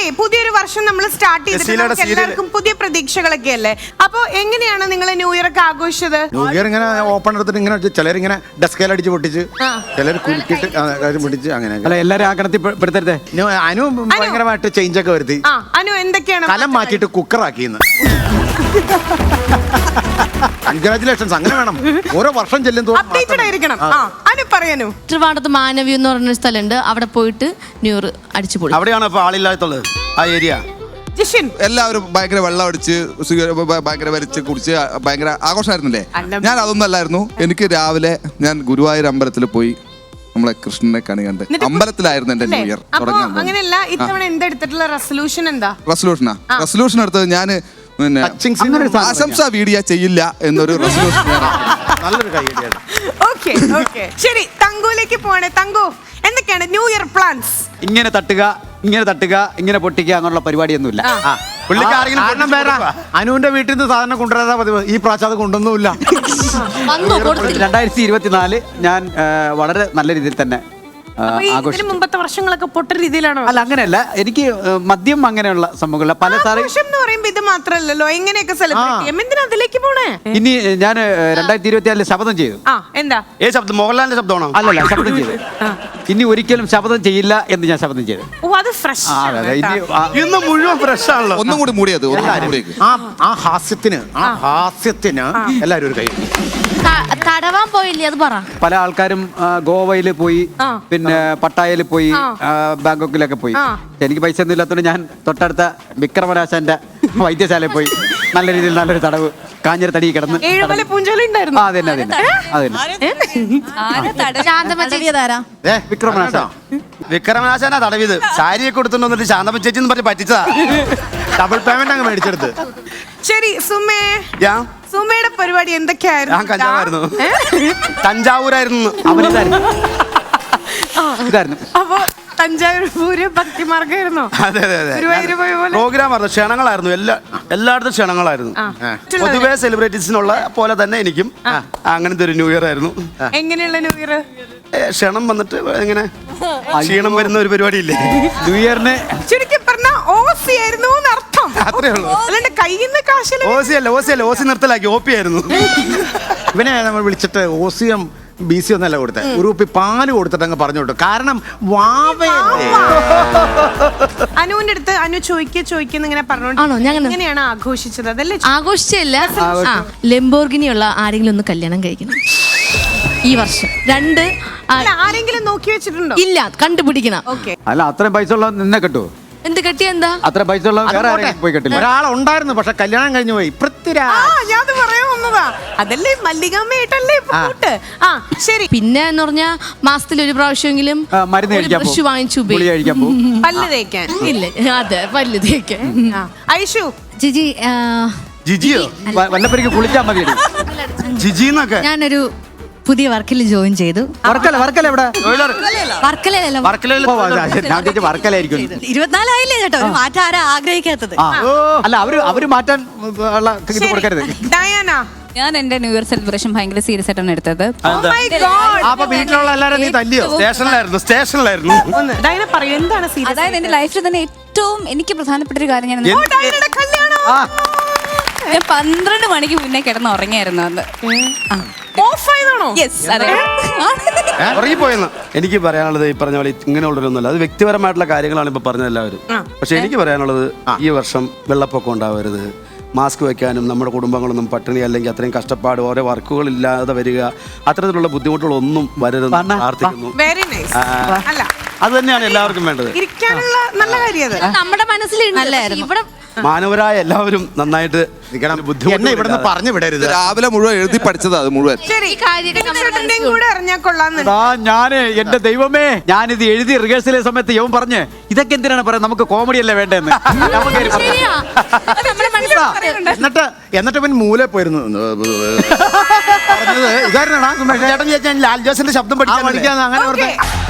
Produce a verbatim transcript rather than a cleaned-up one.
പുതിയൊരു വർഷം നമ്മൾ സ്റ്റാർട്ട് ചെയ്തിട്ട് എല്ലാവർക്കും പുതിയ പ്രതീക്ഷകളൊക്കെ അല്ലേ. അപ്പൊ എങ്ങനെയാണ് നിങ്ങൾ ന്യൂ ഇയർ ഒക്കെ ആഘോഷിച്ചത്? ന്യൂ ഇയർ ഇങ്ങനെ ഓപ്പൺ എടുത്തിട്ട് ഇങ്ങനെ ചിലരിങ്ങനെ ഡെസ്കേൽ അടിച്ച് പൊട്ടിച്ച്, ചിലർ കുലുക്കിട്ട് പൊട്ടിച്ച്, അങ്ങനെ. അല്ല, എല്ലാരും ആ കണത്തിൽ പെടുത്തരുതേ. അനു ഭയങ്കരമായിട്ട് ചേഞ്ച് ഒക്കെ വരുത്തി. അനു എന്തൊക്കെയാണ് കലം മാറ്റിയിട്ട് കുക്കറാക്കിന്ന്. കൺഗ്രാറ്റുലേഷൻസ്. അങ്ങനെ വേണം, ഓരോ വർഷം ചെല്ലും അപ്ഡേറ്റഡ് ആയിരിക്കണം. അനു പറയാനു. ട്രിവാണ്ടത്ത് മാനവി എന്ന് പറഞ്ഞൊരു സ്ഥലമുണ്ട്, അവിടെ പോയിട്ട് ന്യൂ ഇയർ അടിച്ചു പോയി. അവിടെയാണ് ഇപ്പൊ ആളില്ലാത്തുള്ളത് ആ ഏരിയ. എല്ലാവരും ഭയങ്കര വെള്ളം അടിച്ച് ഭയങ്കര വലിച്ച് കുടിച്ച് ഭയങ്കര ആഘോഷമായിരുന്നില്ലേ? ഞാൻ അതൊന്നും അല്ലായിരുന്നു. എനിക്ക് രാവിലെ ഞാൻ ഗുരുവായൂർ അമ്പലത്തിൽ പോയി നമ്മളെ കൃഷ്ണനെ കണി കണ്ട് അമ്പലത്തിലായിരുന്നു എന്റെ ന്യൂ ഇയർ തുടങ്ങാൻ. അങ്ങനെയല്ല, ഇത്തവണ എന്താ എടുത്തിട്ടുള്ള റെസൊല്യൂഷൻ? എന്താ റെസൊല്യൂഷനാ? റെസൊല്യൂഷൻ എടുത്തത് ഞാന് പിന്നെ ആശംസ വീഡിയോ ചെയ്യില്ല എന്നൊരു റെസൊല്യൂഷൻ. നല്ലൊരു കൈയ്യടിയാണ്. ഓക്കേ ഓക്കേ ശരി, തങ്കുവിലേക്ക് പോവാണ്. തങ്കു, എന്തൊക്കെയാണ് ന്യൂ ഇയർ പ്ലാൻസ്? ഇങ്ങനെ തട്ടുക, ഇങ്ങനെ തട്ടുക, ഇങ്ങനെ പൊട്ടിക്കുക അങ്ങനെയുള്ള പരിപാടിയൊന്നുമില്ല. കാരണം വേറെ അനുവിന്റെ വീട്ടിൽ നിന്ന് സാധനം കൊണ്ടുവരാതെ പതിവ്. ഈ പ്രാവശ്യം അത് കൊണ്ടൊന്നുമില്ല. രണ്ടായിരത്തി ഇരുപത്തിനാല് ഞാൻ വളരെ നല്ല രീതിയിൽ തന്നെ ഇതിന് മുമ്പത്തെ വർഷങ്ങളൊക്കെ പൊട്ട രീതിയിലാണോ? അല്ല, അങ്ങനെയല്ല. എനിക്ക് മദ്യം അങ്ങനെയുള്ള സംഭവങ്ങളില്ല. പല സാറി ഇത് മാത്രല്ലോ എങ്ങനെയൊക്കെ സെലിബ്രേറ്റ് ചെയ്യാം. എന്തിനാ അതിലേക്ക് പോണേ? ഇനി ഞാൻ രണ്ടായിരത്തി ഇരുപത്തി ആറില് ശപഥം ചെയ്തു. എന്താ ഏ ശബ്ദം? മോഹൻലാലിന്റെ ശബ്ദമാണോ? അല്ലല്ല, ശപഥം ചെയ്തു. ഇനി ഒരിക്കലും ശപഥം ചെയ്യില്ല എന്ന് ഞാൻ ശപഥം ചെയ്തു. ഓ, അത് ഫ്രഷ്. ഇന്ന് മുഴുവൻ ഫ്രഷ് ആണല്ലോ. ഒന്നും കൂടി മൂടിയത്. ആ ഹാസ്യത്തിന് ആ ഹാസ്യത്തിന് എല്ലാവരും ഒരു കൈ. തടവാൻ പോയില്ലേ, അത് പറ. പല ആൾക്കാരും ഗോവയിൽ പോയി, പിന്നെ പട്ടായയിൽ പോയി, ബാങ്കോക്കിലൊക്കെ പോയി. എനിക്ക് പൈസ ഒന്നും ഇല്ലാത്തതുകൊണ്ട് ഞാൻ തൊട്ടടുത്ത വിക്രമരാശന്റെ വൈദ്യശാലയിൽ പോയി നല്ല രീതിയിൽ നല്ലൊരു തടവ് കാഞ്ഞിരത്തടി കിടന്ന്. വിക്രമനാശ വിക്രമനാശാനാ തടവിത്. സാരിയൊക്കെ കൊടുത്തിട്ട് വന്നിട്ട് ശാന്തമ്മ ചേച്ചി എന്ന് പറഞ്ഞ് പറ്റിച്ചതാ. ഡബിൾ പേയ്മെന്റ് അങ്ങ് മേടിച്ചെടുത്ത്. ശരി സുമേ, സുമയുടെ പരിപാടി എന്തൊക്കെയായിരുന്നു? ഞാൻ കഞ്ചാവായിരുന്നു. തഞ്ചാവൂരായിരുന്നു. അവനിതായിരുന്നു. ഇതായിരുന്നു. അപ്പൊ തഞ്ചാവൂര് ഭക്തിമാർഗമായിരുന്നോ? അതെ അതെ അതെ. പ്രോഗ്രാം ആയിരുന്നു, ക്ഷണങ്ങളായിരുന്നു. എല്ലാ എല്ലായിടത്തും ക്ഷണങ്ങളായിരുന്നു. പൊതുവെ സെലിബ്രിറ്റീസിനുള്ള പോലെ തന്നെ എനിക്കും അങ്ങനത്തെ ഒരു ന്യൂ ഇയർ ആയിരുന്നു. എങ്ങനെയുള്ള ന്യൂ ഇയർ? ക്ഷണം വന്നിട്ട് എങ്ങനെ ക്ഷീണം വരുന്ന ഒരു പരിപാടി ഇല്ലേ ന്യൂ ഇയറിന്? ചുരുക്കി പറഞ്ഞ ഓസി ആയിരുന്നു അർത്ഥം. അത്രേ ഉള്ളൂ. അല്ലാണ്ട് കയ്യിൽ നിന്ന് കാശില്ല. ഓസി അല്ല, ഓസി അല്ല, ഓസി നിർത്തലാക്കി ഓപ്പി ആയിരുന്നു. ഇവനെ നമ്മൾ വിളിച്ചിട്ട് ഓസിയം ബി സി ഒന്നല്ല കൊടുത്തത്, ഒരു കുപ്പി പാല് കൊടുത്തിട്ട് അങ്ങ് പറഞ്ഞു വിട്ടു. കാരണം വാവയല്ലേ. അനുവിന്റെ അടുത്ത് അനു ചോദിക്കുക ചോദിക്കുന്ന ഇങ്ങനെ പറഞ്ഞോണ്ട് എങ്ങനെയാണ് ആഘോഷിച്ചത്? അതല്ലേ ആഘോഷിച്ചല്ല, ലംബോർഗിനിയുള്ള ആരെങ്കിലും ഒന്ന് കല്യാണം കഴിക്കണം ഈ വർഷം. രണ്ട് ആരെങ്കിലും നോക്കി വെച്ചിട്ടുണ്ടോ? ഇല്ല, കണ്ടുപിടിക്കണം. അല്ല, അത്രയും പൈസ ഉള്ള നിന്നെ കിട്ടുമോ? എന്ത് കെട്ടിയ എന്താ? അത്ര പൈസ ഉള്ള വേറെ ആരെങ്കിലും പോയി കെട്ടില്ല. ഒരാളുണ്ടായിരുന്നു, പക്ഷെ കല്യാണം കഴിഞ്ഞു പോയി. ഞാൻ പറയാൻ വന്നതാ. അതല്ലേ മല്ലികാമ്മയായിട്ടല്ലേ പോട്ട്. ആ ശരി. പിന്നെ എന്ന് പറഞ്ഞാ മാസത്തിൽ ഒരു പ്രാവശ്യമെങ്കിലും മരുന്ന് ബ്രഷ് വാങ്ങിച്ചു പല്ല് തേക്കാൻ. ഇല്ല, അതെ, പല്ല് തേക്കാൻ. ഐഷു ജിജി ജിജിയോ വല്ലപ്പോഴേക്ക് കുളിച്ചാൽ മതി. ജിജിന്നൊക്കെ ഞാനൊരു പുതിയ വർക്കിൽ ജോയിൻ ചെയ്തു. വർക്കല വർക്കല എവിടെ? വർക്കലായിരിക്കും. ഇരുപത്തിനാലായില്ലേ കേട്ടോ, ഒരു മാറ്റം ആരാ ആഗ്രഹിക്കാത്തത്? അല്ല, അവര് അവര് മാറ്റാൻ ഇത് കൊടുക്കരുത്. ഡയാന, ഞാൻ എന്റെ ന്യൂ ഇയർ സെലിബ്രേഷൻ ഭയങ്കര സീരിയസ് ആയിട്ടാണ് എടുത്തത്. അപ്പൊ വീട്ടിലുള്ള എല്ലാരും നീ തല്ലിയോ? സ്റ്റേഷനിലായിരുന്നു സ്റ്റേഷനിലായിരുന്നു ഡയാന പറയൂ, എന്താണ് സീരിയസ്? അതായത് എന്റെ ലൈഫിൽ തന്നെ ഏറ്റവും എനിക്ക് പ്രധാനപ്പെട്ട ഒരു കാര്യം, ഞാൻ ഞാൻ പന്ത്രണ്ട് മണിക്ക് മുന്നേ കിടന്ന് ഉറങ്ങിയായിരുന്നു അന്ന്. ഉറങ്ങിപ്പോയെന്ന് എനിക്ക് പറയാനുള്ളത് ഈ പറഞ്ഞ പോലെ ഇങ്ങനെയുള്ളൊരൊന്നുമല്ല. അത് വ്യക്തിപരമായിട്ടുള്ള കാര്യങ്ങളാണ് ഇപ്പൊ പറഞ്ഞത് എല്ലാവരും. പക്ഷെ എനിക്ക് പറയാനുള്ളത് ഈ വർഷം വെള്ളപ്പൊക്കം ഉണ്ടാവരുത്, മാസ്ക് വെക്കാനും നമ്മുടെ കുടുംബങ്ങളൊന്നും പട്ടിണി അല്ലെങ്കിൽ അത്രയും കഷ്ടപ്പാട് ഓരോ വർക്കുകൾ ഇല്ലാതെ വരിക, അത്തരത്തിലുള്ള ബുദ്ധിമുട്ടുകളൊന്നും വരരുതെന്ന് പ്രാർത്ഥിക്കുന്നു. അത് തന്നെയാണ് എല്ലാവർക്കും വേണ്ടത്. നമ്മുടെ മനസ്സിൽ ഇവിടെ മാനവരായ എല്ലാവരും നന്നായിട്ട് ഇവിടുന്ന് പറഞ്ഞു വിടരുത്. രാവിലെ മുഴുവൻ എഴുതി പഠിച്ചത് അത് മുഴുവൻ. ഞാന് എന്റെ ദൈവമേ, ഞാനിത് എഴുതി റിഹേഴ്സൽ സമയത്ത് യവൻ പറഞ്ഞ് ഇതൊക്കെ എന്തിനാണ് പറയാ, നമുക്ക് കോമഡി അല്ലേ വേണ്ടെന്ന്. എന്നിട്ട് എന്നിട്ട് ഇവൻ മൂലെ പോയിരുന്നു. ചേട്ടൻ ലാൽ ജോസിന്റെ ശബ്ദം പഠിക്കാൻ അങ്ങനെ